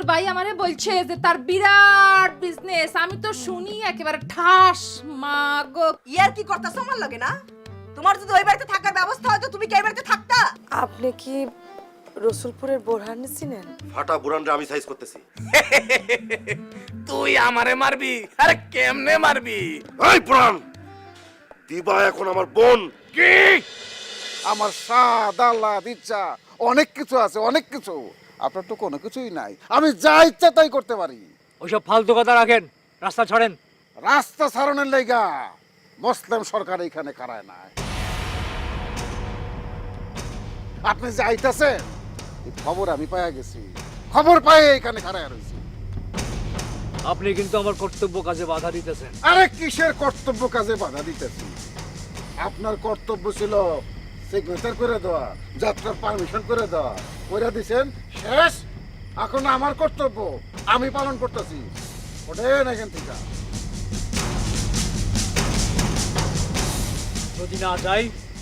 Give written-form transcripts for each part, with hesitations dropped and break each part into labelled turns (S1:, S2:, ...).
S1: ভাই আমারে বলছে যে তার বিরাট বিজনেস। আমি তো শুনি একেবারে ঠাস মা গো।
S2: ইয়ার কি করতেছ আমার লাগে না? তোমার যদি ওই বাড়িতে থাকার ব্যবস্থা হয় তো তুমি কি এই বাড়িতে থাকতা?
S3: আপনি কি রসুলপুরের বোরহান চিনেন?
S4: ফাটা বুড়ানরে আমি সাইজ করতেছি।
S5: তুই আমারে মারবি? আরে কেমনে মারবি?
S4: এই বুড়ান, দিবা এখন আমার বোন।
S5: কি?
S6: আমার স্বাদ আহ্লাদ ইচ্ছা অনেক কিছু আছে, অনেক কিছু। আপনার তো কোনো কিছুই নাই। আমি যা ইচ্ছা তাই করতে পারি।
S7: ওইসব ফালতু কথা রাখেন, রাস্তা ছাড়েন।
S6: রাস্তা ছাড়নের লেগা মুসলিম সরকার এখানে কারায় নাই। আপনি যে আইতাছেন এই খবর আমি পাইয়া গেছি, খবর পাই এখানে কারায় রয়েছি।
S7: আপনি কিন্তু আমার কর্তব্য কাজে বাধা দিতেছেন।
S6: আরে কিসের কর্তব্য কাজে বাধা দিতেছি? আপনার কর্তব্য ছিল সিগনেচার করে দেওয়া, যাত্রার পারমিশন করে দেওয়া, করে দিছেন, শেষ। এখন আমার কর্তব্য আমি পালন করতেছি। ওঠেন এখান থেকে।
S7: যদি না যাই,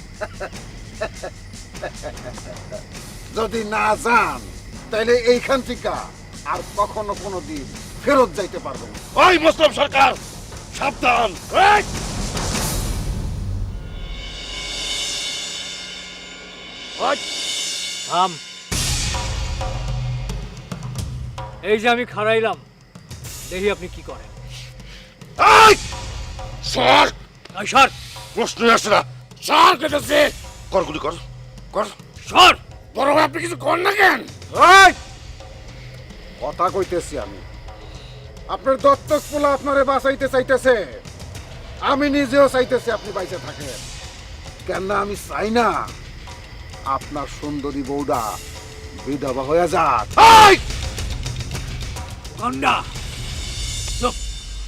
S6: যদি না যান তাহলে এইখান থেকে আর কখনো কোনো দিন ফেরত যাইতে পারবেন না।
S4: ওই মুসলিম সরকার, সাবধান। এই! ওই!
S7: থাম। এই যে আমি খাড়াইলাম, দেখি আপনি কি করেন।
S4: এই! সর!
S7: এই সর,
S4: প্রশ্নই আসে না।
S5: সর কেটেছে।
S4: কর গুলি কর, কর।
S7: সর।
S5: বড় ভাই আপনি কিছু কর না কেন?
S6: এই! কথা কইতেছি আমি। আপনার দত্তক পোলা আপনারে বাঁচাইতে চাইতেছে, আমি নিজেও চাইতেছি আপনি বাইচে থাকেন। কেন না আমি চাই না আপনার সুন্দরী বউডা বিধবা হয়ে যাক।
S4: এই!
S7: গন্ডা, চুপ।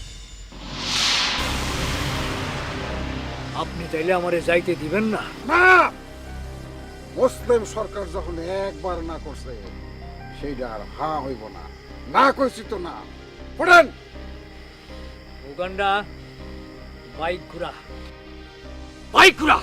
S7: আপনি চাইলে আমারে যাইতে দিবেন না?
S6: না, মুসলিম সরকার যখন একবার না করছে সেইটা আর হা হইব না। না কইছি তো না। পড়েন।
S7: উগান্ডা, বাইক ঘুরা, বাইক ঘুরা।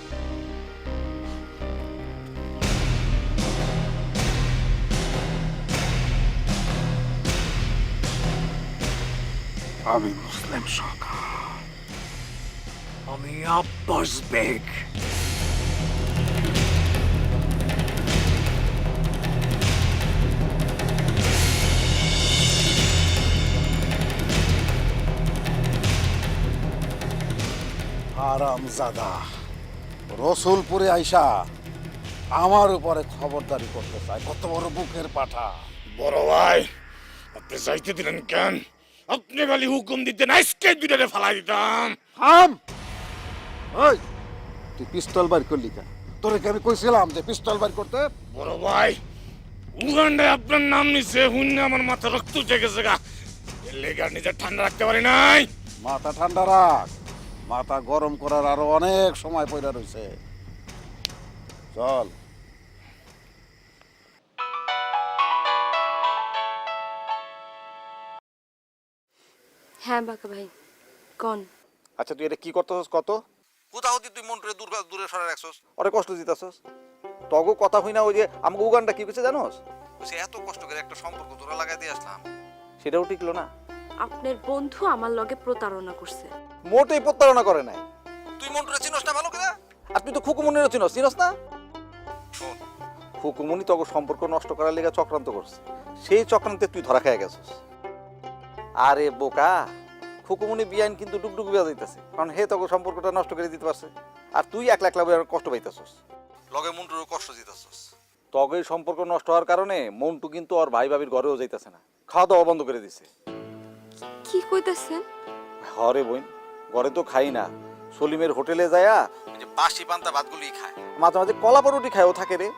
S6: আমি মুসলিম সরকার।
S7: আমি আব্বাস বেগ।
S6: হারামজাদা রসুলপুরে আইসা আমার উপরে খবরদারি করতে চায়। কত বড় বুকের পাঠা।
S5: বড় ভাই আপনি যাইতে দিলেন কেন? আপনি খালি হুকুম দিতেন, আজকে দুটারে ফালাই দিতাম।
S6: থাম। ওই তুই পিস্তল বার করলি কেন? তোরে কি আমি কইছিলাম যে পিস্তল বার করতে?
S5: বড় ভাই উগান্ডায় আপনার নাম নিছে, হুন্নে আমার মাথা রক্ত উঠে গেছে গা। এর লেগে আর নিজের ঠান্ডা রাখতে পারি নাই।
S6: মাথা ঠান্ডা রাখ, মাথা গরম করার আরো অনেক সময় পড়ে রয়েছে। চল।
S3: হ্যাঁ বাঁকা ভাই, কোন?
S8: আচ্ছা তুই এটা কি করতেছস? কত কোথাও তুই মন্টুরে দূরে সরে রাখছস, ওরে কষ্ট দিতেছস। তগো কথা হই না, ওই যে আমাকে উগানটা কি কইছে জানোস? সে এত কষ্ট করে একটা সম্পর্ক তোরা লাগাই দিয়ে আসলাম, সেটাও টিকলো না।
S3: আপনার বন্ধু আমার লগে প্রতারণা করছে।
S8: মোটেই প্রতারণা করে নাই। তুই মন্টুরে চিনস না ভালো করে? আর তুই তো খুকুমনিরও চিনস না? শোন, খুকুমনি তগো সম্পর্ক নষ্ট করার লেগে চক্রান্ত করছে। সেই চক্রান্তে তুই ধরা খেয়ে গেছস। আরে বোকা, খুকুমনি বিয়াইন কিন্তু ডুগডুগ বিয়া যাইতেছে, কারণ হে তগো সম্পর্কটা নষ্ট করে দিতে পারছে। আর তুই একলা একলা কষ্ট পাইতেছস, লগে মন্টুরও কষ্ট দিতেছস। তবে সম্পর্ক নষ্ট হওয়ার কারণে মন্টু কিন্তু ওর ভাই ভাবির ঘরেও যাইতেছে না, খাওয়া দাওয়া বন্ধ করে দিছে।
S3: কি কইতাছেন?
S8: হরে বোন, ঘরে তো খাই না, সলিমের হোটেলে যায়া ওই যে বাসি পান্তা ভাতগুলি খায়, মাঝে মাঝে কলা পরোটি খায়ও থাকে রে।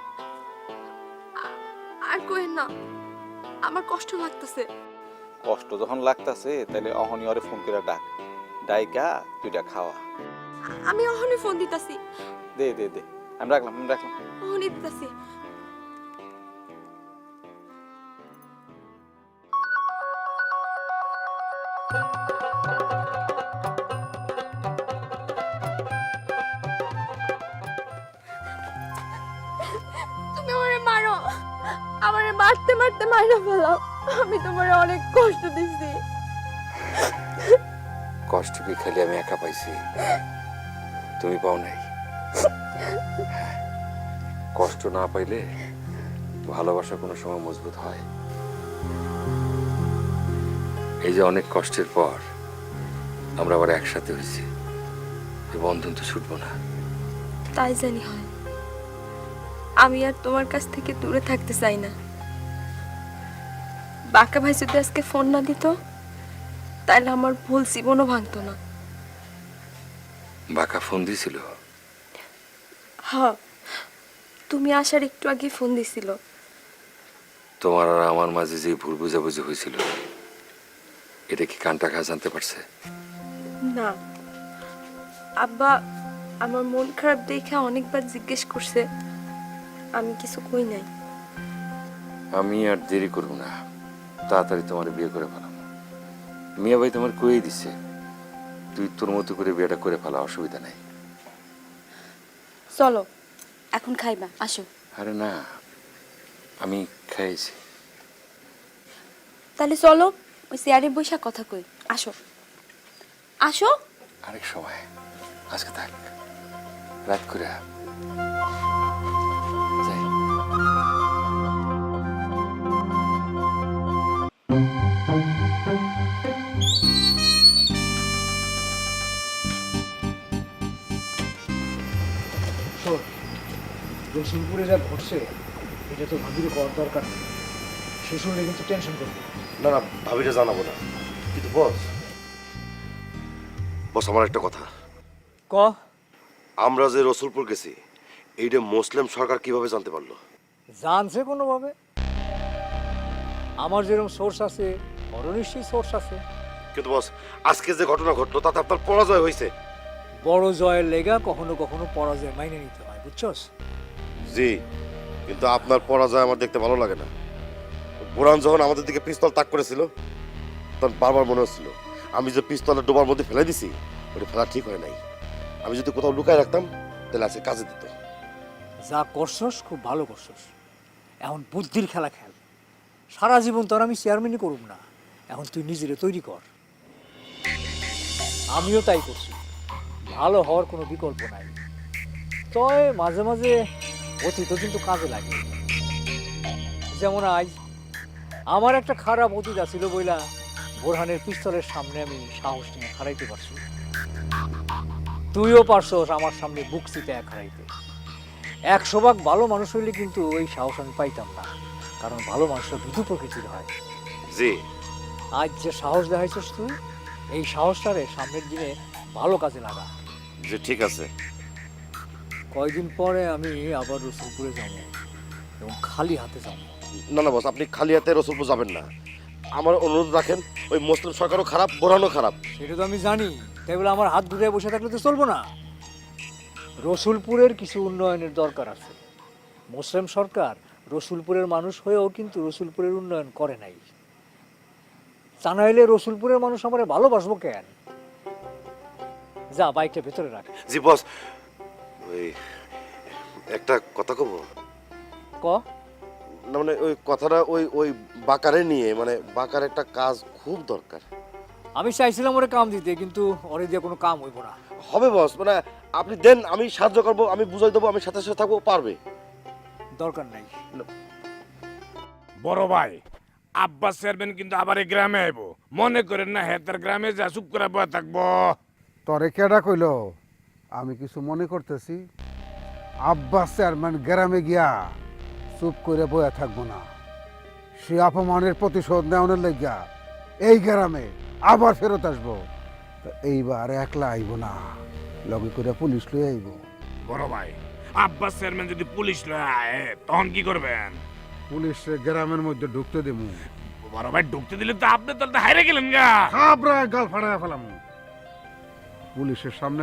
S3: আর কইেন না, আমার কষ্ট লাগতেছে।
S8: কষ্ট যখন লাগতাছে তাহলে অহনি ওরে ফোন করে ডাক, ডাইকা দুইটা খাওয়া।
S3: আমি অহনি ফোন দিতাছি।
S8: দে দে দে, আমি রাখলাম।
S3: অহনি দিতাছি। তুমি আমারে মারো, আমারে মারতে মারতে মাইরা ফেলাও। আমি তোমার অনেক কষ্ট দিছি।
S9: কষ্ট কি খালি আমি একা পাইছি? তুমি পাও নাই? কষ্ট না পাইলে ভালোবাসা কোনো সময় মজবুত হয়? এই যে অনেক কষ্টের পর আমরা আবার একসাথে হয়েছি, এই বন্ধন তো ছুটবো না।
S3: তাই জানি হয়। আমি আর তোমার কাছ থেকে দূরে থাকতে চাই না। বাঁকা ভাই যদি আজকে ফোন না দিত, তাহলে আমার ভুল জীবনও ভাঙতো না।
S9: বাঁকা ফোন দিছিল?
S3: হ্যাঁ, তুমি আসার একটু আগে ফোন দিছিল।
S9: তোমার আর আমার মাঝে যে ভুল বুঝাবুঝি হয়েছিল, এটা কি কানটা খা জানতে পারছে?
S3: না, আব্বা আমার মন খারাপ দেখে অনেকবার জিজ্ঞেস করছে, আমি কিছু কই নাই।
S9: আমি আর দেরি করব না, তাড়াতাড়ি তোমার বিয়ে করে ফেলাম। মিয়া ভাই তোমার কই দিছে, তুই তোর মতো করে বিয়েটা করে ফেলা, অসুবিধা নাই।
S3: চলো এখন খাইবা, আসো।
S9: আরে না, আমি খাইছি।
S3: তাহলে চলো ওই চেয়ারে বসে কথা কই, আসো আসো।
S9: আরেক সময়, আজকে থাক, রাত করে যাই।
S7: শোন, রসুলপুরে যা ঘটছে এটা তো ভাবির করার দরকার নেই। সে শুনলে কিন্তু টেনশন করবে।
S4: না না, ভাবিটা জানাবো না, কিন্তু বস, আমার একটা কথা।
S7: ক।
S4: আমরা যে রসুলপুর গেছি, এইটা মুসলিম সরকার কিভাবে জানতে পারলো?
S7: জানছে কোনোভাবে। আমার যেরকম সোর্স আছে, ওরও নিশ্চয়ই সোর্স আছে।
S4: কিন্তু বস, আজকে যে ঘটনা ঘটলো তাতে আপনার পরাজয় হয়েছে।
S7: বড় জয়ের লেগা কখনো কখনো পরাজয় মাইনে নিতে হয়, বুঝছস?
S4: জি, কিন্তু আপনার পরাজয় আমার দেখতে ভালো লাগে না। বুরান যখন আমাদের দিকে পিস্তল তাক করেছিল, তখন বারবার মনে হচ্ছিল আমি যে পিস্তলের ডোবার মধ্যে ফেলে দিছি, ওটা ফেলা ঠিক হয় নাই। আমি যদি কোথাও লুকায় রাখতাম, তাহলে আজকে কাজে দিত।
S7: যা করছস খুব ভালো করছস। এখন বুদ্ধির খেলা খেল। সারা জীবন তোর আমি চেয়ারম্যানই করুম না, এখন তুই নিজেরে তৈরি কর। আমিও তাই করছি। ভালো হওয়ার কোনো বিকল্প নাই। তবে মাঝে মাঝে অতীতও কিন্তু কাজে লাগে। যেমন আজ আমার একটা খারাপ অতীত ছিল বইলা বোরহানের পিস্তলের সামনে আমি সাহস নিয়ে খাড়াইতে পারছি। তুইও পারছস আমার সামনে বুক চিতে খাড়াইতে। 100 ভাগ ভালো মানুষ হইলে কিন্তু ওই সাহস আমি পাইতাম না, কারণ ভালো মানুষরা ভীতু প্রকৃতির হয়।
S4: জি,
S7: আজ যে সাহস দেখাইছস তুই, এই সাহসটারে সামনের দিনে ভালো কাজে লাগা।
S4: জি ঠিক আছে।
S7: কয়দিন পরে আমি আবার রসুলপুরে যাব এবং খালি হাতে যাব।
S4: না না বস, আপনি খালি হাতে রসুলপুর যাবেন না। আমার অনুরোধ রাখেন, ওই মুসলিম সরকারও খারাপ, বোরহানও খারাপ।
S7: সেটা তো আমি জানি, তাই বলে আমার হাত ঘুরে বসে থাকলে তো চলবো না। রসুলপুরের কিছু উন্নয়নের দরকার আছে। মুসলিম সরকার রসুলপুরের মানুষ হয়েও কিন্তু রসুলপুরের উন্নয়ন করে নাই। তা নাইলে রসুলপুরের মানুষ আমার ভালোবাসবো কেন? যা, বাইকটা ভেতরে রাখ।
S4: জি বস, ওই একটা কথা কব।
S7: ক।
S4: না মানে ওই কথাটা ওই ওই বাকারে নিয়ে, মানে বাকার একটা কাজ খুব দরকার।
S7: আমি চাইছিলাম ওরে কাম দিতে, কিন্তু ওরে দিয়ে কোনো কাম হইব না।
S4: হবে বস, মানে আপনি দেন, আমি সাহায্য করব, আমি বুঝাই দেবো, আমি সাথে সাথে থাকবো, পারবে।
S7: দরকার নাই।
S5: বড় ভাই, আব্বাস চেয়ারম্যান কিন্তু আবার এই গ্রামে আইব। মনে করেন না হেতার গ্রামে যা চুপ করে বয়ে থাকবো।
S6: তরে কেডা কইল আমি কিছু মনে করতেছি? আব্বাস চেয়ারম্যান গ্রামে গিয়া চুপ করে বয়া থাকবো না। সে অপমানের প্রতিশোধ নেওয়ার লাগিয়া এই গ্রামে আবার ফেরত আসবো। তো এইবার একলা আইব না, লগে করে পুলিশ লই আইব।
S5: বড় ভাই, আব্বাস চেয়ারম্যান যদি পুলিশ লয় আয়, তখন কি করবেন?
S6: পুলিশে গ্রামের মধ্যে ঢুকতে দেবো।
S5: বড় ভাই, ঢুকতে দিলে তো আপনি তো হাইরে গেলেন গা।
S6: খাবরা গাল ফাড়ায় ফেলাম। পুলিশের সামনে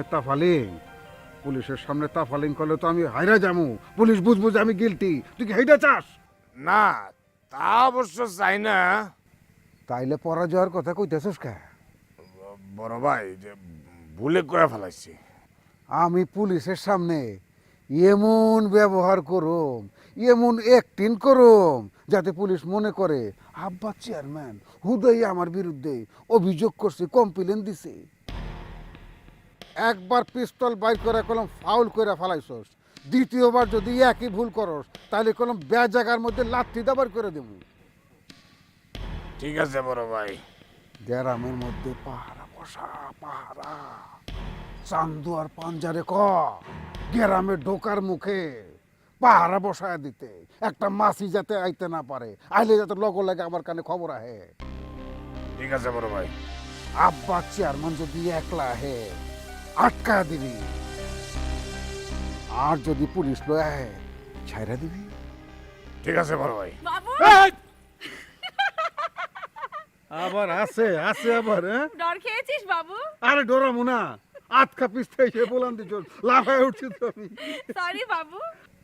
S6: তাফালিং করলে তো আমি হাইরা যাবো। পুলিশ বুঝবো যে আমি গিলটি। তুই কি হেইটা চাস?
S5: না, তা অবশ্য চাই না।
S6: তাইলে পরাজয়ের কথা কইতেছিস কে?
S5: বড় ভাই, যে ভুলে করে ফেলাইছি।
S6: আমি পুলিশের সামনে এমন ব্যবহার করুম, এমন অ্যাক্টিং করুম যাতে পুলিশ মনে করে আব্বা চেয়ারম্যান হুদয় আমার বিরুদ্ধে অভিযোগ করছে, কমপ্লেন দিছে। একবার পিস্তল বাইর করে কলম ফাউল করে ফেলাইছস, দ্বিতীয়বার যদি একই ভুল করস তাহলে কলম জায়গার মধ্যে লাথি দাবার করে দেব।
S5: ঠিক আছে বড় ভাই।
S6: গ্রামের মধ্যে পাহারা বসা, পাহারা। চান্দু আর পাঞ্জারে ক গ্রামে ঢোকার মুখে পাহারা বসায় দিতে, একটা মাছি যাতে আইতে না পারে, আইলে যাতে লগ লাগে আমার কানে খবর আহে।
S5: ঠিক আছে বড় ভাই।
S6: আব্বা চেয়ারম্যান যদি একলা আহে আটকা দিবি, আর যদি পুলিশ লয় আহে ছাইরা দিবি।
S5: ঠিক আছে বড় ভাই।
S6: আবার আছে আছে আবার, হ্যাঁ?
S3: ডর খেয়েছিস বাবু?
S6: আরে ডরামু না, আটকা পিস্তে এসে বলান দিছ, লাফায় উঠছি তো আমি।
S3: সরি বাবু।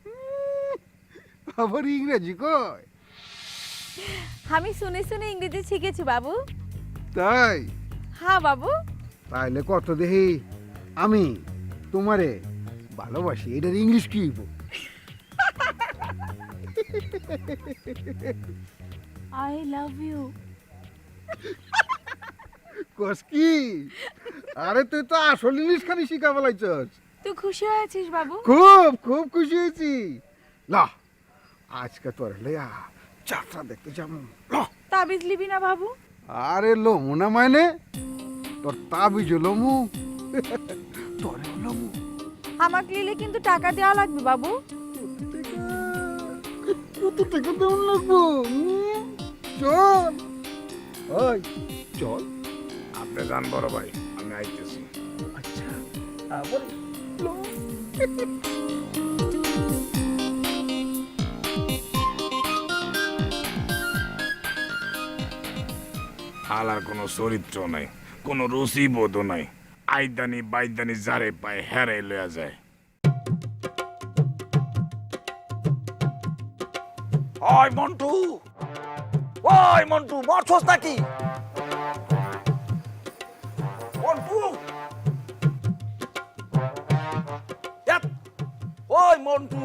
S6: আবার ইংরেজি কয়?
S3: আমি শুনে শুনে ইংরেজি শিখেছি বাবু।
S6: তাই?
S3: হ্যাঁ বাবু।
S6: তাইলে কত দেখি আমি তোমারে ভালোবাসি, এটার ইংলিশ কি?
S3: I love you.
S6: কস কি? আরে তুই তো আসল ইংলিশ খানি শিখা ফেলাইছস।
S3: তুই খুশি হয়েছিস বাবু?
S6: খুব খুব খুশি হয়েছি। লা আজকে তোর লইয়া যাত্রা দেখতে যাবো।
S3: তাবিজ লিবি না বাবু?
S6: আরে লমু না মানে তোর তাবিজ লমু, তোর লমু।
S3: আমাকে নিলে কিন্তু টাকা দেওয়া লাগবে বাবু।
S6: কত টাকা দেওয়া লাগবো? চল ওই চল।
S5: আপনি যান বড় ভাই, আমি আইতেছি।
S6: আচ্ছা আবার
S5: হালার কোনো চরিত্র নাই, কোনো রুচি বোধ নাই। আইদানি বাইদানি যারে পায় হেরে লয়া যায়।
S8: ওই মন্টু, ওই মন্টু, মরছস নাকি? মন্টু, ইয়াত, ওই মন্টু।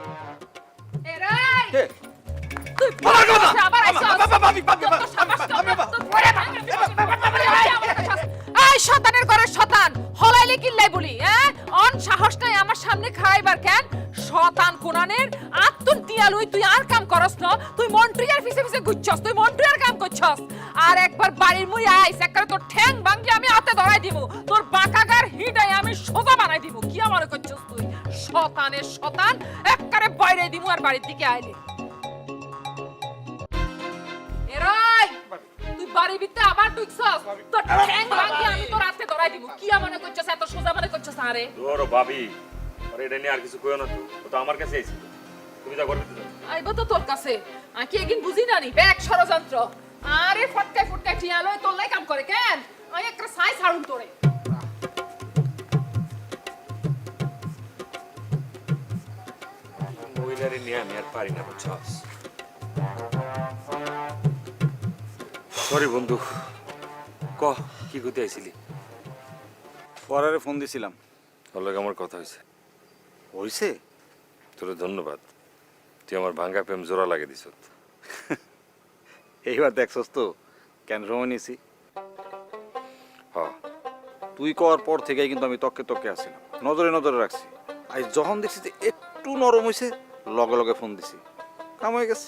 S1: এরাই
S8: কে?
S1: তুই
S8: বাবা, বাবা,
S1: আবার আইছস।
S8: বাবা, বাবা, বাবা,
S1: তোর তো সাবাস
S8: বাবা,
S1: কম না,
S8: বাবা,
S1: তোর পরে ভাঙা এই শতানের ঘরে শতান হলাইলে কিল্লাই বলি, হ্যাঁ? অন সাহস নাই আমার সামনে খাইবার কেন? শতান কোনানের আত্মন দিয়া লই, তুই আর কাম করস না, তুই মন্ট্রিয়ার পিছে পিছে ঘুরছস, তুই মন্ট্রিয়ার কাম করছস। আর একবার বাড়ির মুই আইস একবারে তোর ঠ্যাং ভাঙি আমি হাতে ধরাই দিব, তোর বাঁকাগার হিডাই আমি সোজা বানাই দিব। কি আমার করছস তুই? শতানের শতান একবারে বাইরে দিমু আর বাড়ির দিকে আইলে। এরাই তুই বাড়ির ভিতরে আবার ঢুকছস, তোর ঠ্যাং ভাঙি আমি তোর হাতে ধরাই দিব। কি মনে করছস? এত সোজা মনে করছস? আরে
S9: ধরো ভাবি, আরে এটা নিয়ে আর কিছু কইও না তো, ও তো আমার কাছে আইছিল। তুমি যা করবে তো।
S1: আইবো তো তোর কাছে, আমি কি একদিন বুঝি না নি ব্যাগ ষড়যন্ত্র। আরে ফটকায় ফটকায় ঠিয়া লয় তোর লাই কাম করে কেন? আমি একটা সাই ছাড়ুন তোরে।
S9: মহিলারে নিয়ে আমি আর পারি না, বুঝছস? সরি বন্ধু, ক কি করতে আইছিলি?
S8: পরারে ফোন দিছিলাম।
S9: তোর লগে আমার কথা হয়েছে।
S8: হইছে?
S9: তোর ধন্যবাদ, তুই আমার ভাঙ্গা প্রেম জোড়া লাগে দিছ।
S8: এইবার দেখছস তো কেন সময় নিয়েছি।
S9: হ,
S8: তুই কর পর থেকে কিন্তু আমি তককে তককে আসছিলাম, নজরে নজরে রাখছি। আজ যখন দেখছি যে একটু নরম হয়েছে লগে লগে ফোন দিছি, কাম হয়ে গেছে।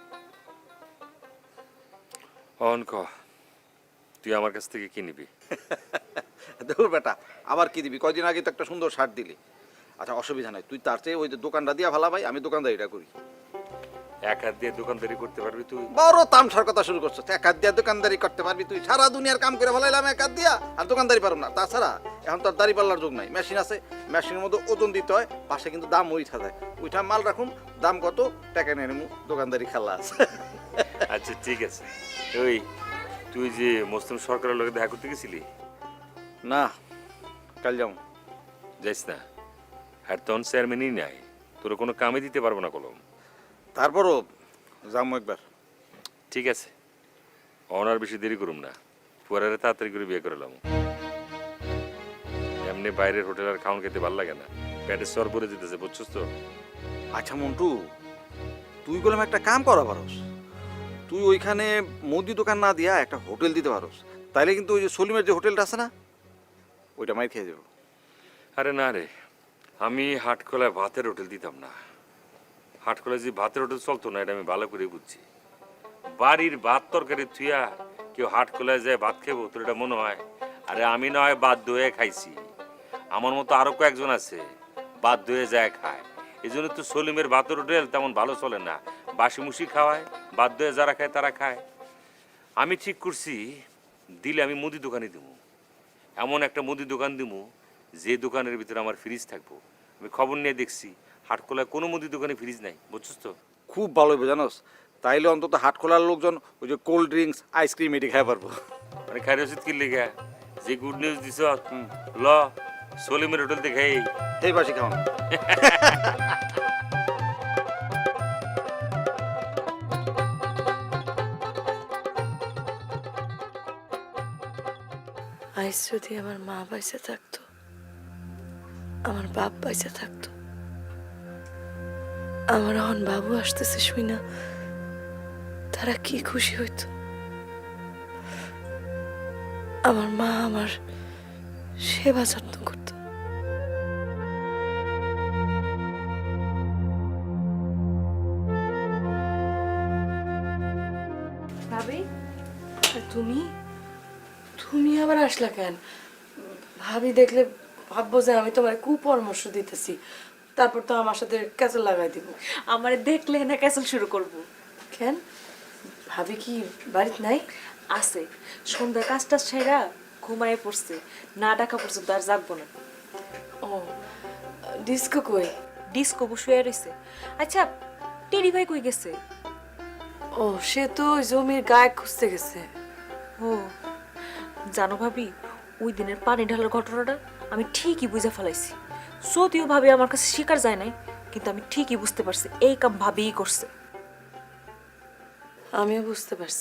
S9: অন ক, তুই আমার কাছ থেকে কি নিবি?
S8: দেখুর বেটা, আবার কি দিবি? কয়দিন আগে তো একটা সুন্দর শার্ট দিলি। আচ্ছা অসুবিধা নাই, তুই তার চেয়ে ওই যে দোকানটা দিয়া ভালা ভাই, আমি দোকানদারিটা করি।
S9: এক হাত দিয়ে দোকানদারি করতে পারবি তুই?
S8: বড় তামসার কথা শুরু করছো। এক হাত দিয়া দোকানদারি করতে পারবি তুই? সারা দুনিয়ার কাম করে ভালাইলাম এক হাত দিয়া, আর দোকানদারি পারব না। তাছাড়া এখন তোর দাড়ি পাল্লার যুগ নাই, মেশিন আছে, মেশিনের মধ্যে ওজন দিতে হয়, পাশে কিন্তু দাম উঠা যায়। উঠা মাল রাখুন, দাম কত টাকা নিয়ে নেবো, দোকানদারি খেলা আছে।
S9: আচ্ছা ঠিক আছে। ওই তুই যে মুসলিম সরকারের লোকে দেখা করতে গেছিলি?
S8: না, কাল যাও।
S9: যাইস না, আর তখন চেয়ারম্যানই নাই, তোর কোনো কামে দিতে পারবো না কলম।
S8: তারপরও যাবো একবার।
S9: ঠিক আছে, অনার বেশি দেরি করুম না, পরে তাড়াতাড়ি করে বিয়ে করলাম। এমনি বাইরের হোটেল আর খাওয়ান খেতে ভালো লাগে না, পেটে সর পরে যেতেছে, বুঝছস তো?
S8: আচ্ছা মন্টু, তুই বললাম একটা কাম করা পারস। তুই ওইখানে মুদি দোকান না দিয়া একটা হোটেল দিতে পারোস, তাইলে কিন্তু ওই যে সলিমের যে হোটেলটা আছে না, ওইটা মাই খেয়ে যাবো।
S9: আরে না রে, আমি হাটখোলায় ভাতের হোটেল দিতাম না। হাটখোলায় যে ভাতের হোটেল চলতো না, এটা আমি ভালো করে বুঝছি। বাড়ির ভাত তরকারি থুইয়া কেউ হাটখোলায় যায় ভাত খেবো, তোর এটা মনে হয়? আরে আমি না হয় বাধ্য হয়ে খাইছি, আমার মতো আরো কয়েকজন আছে বাধ্য হয়ে যায় খায়। এই জন্য তো সলিমের ভাতের হোটেল তেমন ভালো চলে না, বাসি মুসি খাওয়ায়, বাধ্য হয়ে যারা খায় তারা খায়। আমি ঠিক করছি, দিলে আমি মুদি দোকানে দিব, এমন একটা মুদি দোকান দিব যে দোকানের ভিতরে আমার ফ্রিজ থাকবো। আমি খবর নিয়ে দেখছি হাটখোলায় কোনো মুদি দোকানে ফ্রিজ নাই, বুঝছিস তো?
S8: খুব ভালো হবে জানোস, তাইলে অন্তত হাট খোলার লোকজন ওই যে কোল্ড ড্রিঙ্কস আইসক্রিম এটি খাই পারবো।
S9: মানে খাই রসিদ কিনলে গা যে গুড নিউজ দিছ, ল সলিমের হোটেল দেখাই
S8: এই বাসি খাওয়ান।
S3: আজ যদি আমার মা বাইসে থাকতো, আমার বাপ বাইসে থাকতো, আমার এখন বাবু আসতেছে শুই না, তারা কি খুশি হইতো। আমার মা আমার সেবা যত্ন করতো। ভাবি, তুমি তুমি আবার আসলা কেন? ভাবি দেখলে ভাববো যে আমি তোমার কুপরামর্শ দিতেছি, তারপর তো আমার সাথে ক্যাসেল লাগাই দিব।
S10: আমার দেখলে না ক্যাসেল শুরু করব।
S3: কেন, ভাবি কি বাড়িতে নাই?
S10: আছে, সন্ধ্যা কাজটা সেরা ঘুমায় পড়ছে, না ডাকা পর্যন্ত আর জাগবো না।
S3: ও, ডিস্কো কই?
S10: ডিস্কো শুয়ে রয়েছে। আচ্ছা, টেরি ভাই কই গেছে?
S3: ও, সে তো ওই জমির গায়ে খুঁজতে গেছে।
S10: ও জানো ভাবি, ওই দিনের পানি ঢালার ঘটনাটা আমি ঠিকই বুঝে ফেলাইছি। যদিও ভাবি আমার কাছে স্বীকার যায় নাই, কিন্তু আমি ঠিকই বুঝতে পারছি এই কাম ভাবিই করছে।
S3: আমিও বুঝতে পারছি,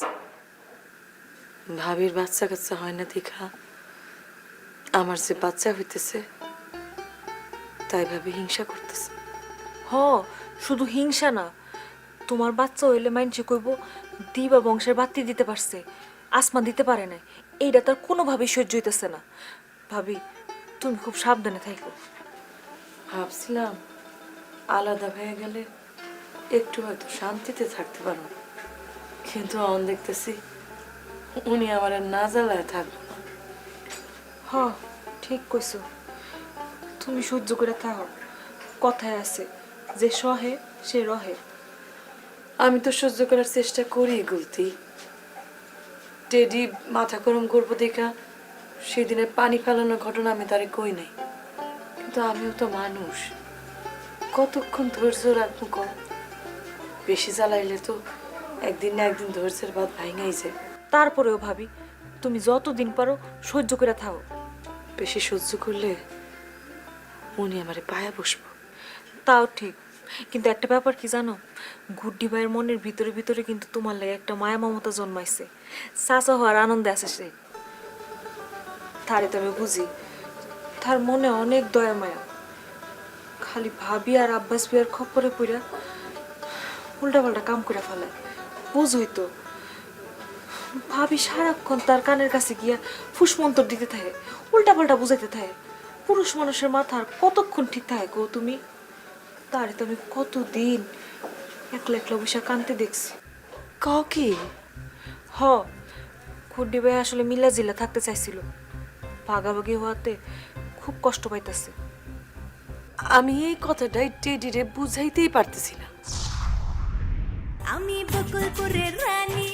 S3: ভাবির বাচ্চা কাচ্চা হয় না দেখা আমার যে বাচ্চা হইতেছে তাই ভাবি হিংসা করতেছে।
S10: হ, শুধু হিংসা না, তোমার বাচ্চা হইলে মাইনসে কইব দিবা বংশের বাতি দিতে পারছে, আসমান দিতে পারে না। এইটা তার কোনোভাবেই সহ্য হইতেছে না। ভাবি, তুমি খুব সাবধানে থাকো।
S3: ভাবছিলাম আলাদা হয়ে গেলে একটু হয়তো শান্তিতে থাকতে পারো, কিন্তু এখন দেখতেছি উনি আমার আর না জ্বালায় থাকবো না।
S10: হ, ঠিক কইছো, তুমি সহ্য করে থাকো। কথায় আছে যে সহে সে রহে।
S3: আমি তো সহ্য করার চেষ্টা করি গুলতি। টেডি মাথা গরম করবো দেখা সেদিনের পানি ফেলানোর ঘটনা আমি তারে কই নাই, কিন্তু আমিও তো মানুষ, কতক্ষণ ধৈর্য রাখবো কম? বেশি জ্বালাইলে তো একদিন না একদিন ধৈর্যের বাদ ভাঙাই যায়।
S10: তারপরেও ভাবি, তুমি যতদিন পারো সহ্য করে থাকো।
S3: বেশি সহ্য করলে উনি আমারে পায়া বসবো।
S10: তাও ঠিক, কিন্তু একটা ব্যাপার কি জানো, গুড্ডি ভাইয়ের মনের ভিতরে ভিতরে কিন্তু তোমার লাগে একটা মায়া মমতা জন্মাইছে। চাচা হওয়ার আনন্দে আছে সে। তারে তো আমি বুঝি, তার মনে অনেক দয়া মায়া। খালি ভাবি আর আব্বাস বিয়ার খপ্পরে পড়া উল্টা পাল্টা কাম করে ফেলায়, বুঝই তো। ভাবি সারাক্ষণ তার কানের কাছে গিয়া ফুসমন্তর দিতে থাকে, উল্টা পাল্টা বুঝাইতে থাকে। পুরুষ মানুষের মাথা আর কতক্ষণ ঠিক থাকে গো তুমি? তারে তো আমি কতদিন একলা একলা বসে কানতে দেখছি।
S3: কাও কি?
S10: হ, খুড্ডি ভাই আসলে মিলা জিলা থাকতে চাইছিল, ভাগাভাগি হওয়াতে খুব কষ্ট পাইতেছে।
S3: আমি এই কথাটাই টেডিরে বুঝাইতেই পারতেছি না।
S11: আমি বকুলপুরের রানী।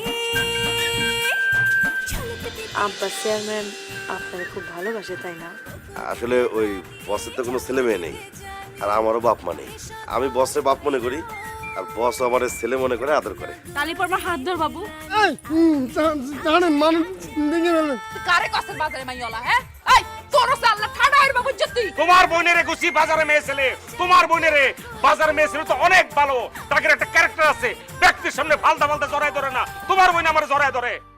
S3: আব্বা চেয়ারম্যান আপনারা খুব ভালোবাসে, তাই না?
S4: আসলে ওই বসের তো কোনো ছেলে মেয়ে নেই, আর আমারও বাপ মা নেই। আমি বসের বাপ মনে করি, আর বস আমার ছেলে মনে করে আদর করে।
S1: তালি পর হাত ধর বাবু।
S6: জানেন মানুষ ভেঙে ফেলে।
S1: কারে কসের বাজারে মাইওলা? হ্যাঁ, এই তোর আল্লাহ ঠাডা এর বাবু জত্তি।
S5: তোমার বোনেরে গুছি বাজারে মেয়ে ছেলে, তোমার বোনেরে বাজারে মেয়ে ছেলে তো অনেক ভালো, তাদের একটা ক্যারেক্টার আছে, ব্যক্তির সামনে ফালতা ফালতা জড়ায় ধরে না। তোমার বোন আমার জড়ায় ধরে।